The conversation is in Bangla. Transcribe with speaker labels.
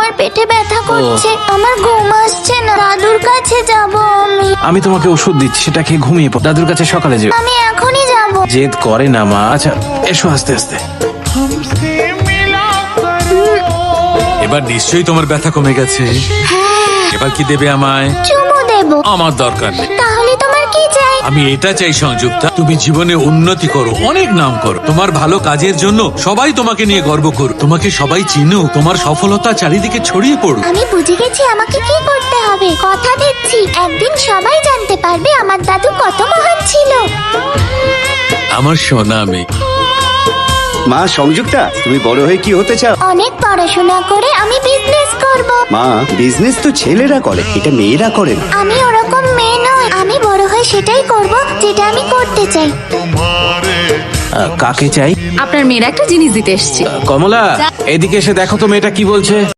Speaker 1: আমার পেটে ব্যথা করছে, আমার ঘুম আসছে না, দাদুর কাছে যাব
Speaker 2: আমি তোমাকে ওষুধ দিচ্ছি, সেটা খেয়ে ঘুমিয়ে পড়ো। দাদুর কাছে সকালে যেও।
Speaker 1: আমি এখনই যাব।
Speaker 2: জেদ করে না মা। আচ্ছা এসো আস্তে আস্তে।
Speaker 3: এবার নিশ্চয়ই তোমার ব্যথা কমে গেছে। এবার কি দেবে আমায়?
Speaker 1: চুমু দেব।
Speaker 3: আমার দরকার নেই।
Speaker 1: তাহলে তোমার কি চাই?
Speaker 3: আমি এটা চাই সংযুক্তা, তুমি জীবনে উন্নতি করো, অনেক নাম করো, তোমার ভালো কাজের জন্য সবাই তোমাকে নিয়ে গর্ব করো, তোমাকে সবাই চিনুক, তোমার সফলতা চারিদিকে ছড়িয়ে পড়ুক।
Speaker 1: আমি বুঝে গেছি আমাকে কি করতে হবে। কথা দিচ্ছি একদিন সবাই জানতে পারবে আমার দাদু কত মহান ছিল।
Speaker 3: আমার সোনা মেয়ে।
Speaker 4: মা সংযুক্তা, তুমি বড় হয়ে কি হতে চাও?
Speaker 1: অনেক পড়াশোনা করে আমি বিজনেস করব।
Speaker 4: মা, বিজনেস তো ছেলেরা করে, এটা মেয়েরা করে না।
Speaker 1: আমি ওরকম মেয়ে নই, আমি বড় হয়ে সেটাই করব যেটা আমি করতে চাই।
Speaker 2: কাকে চাই?
Speaker 5: আপনার মেয়ের একটা জিনিস দিতে এসেছি।
Speaker 2: কমলা, এদিকে এসে দেখো তো মেয়েটা কি বলছে।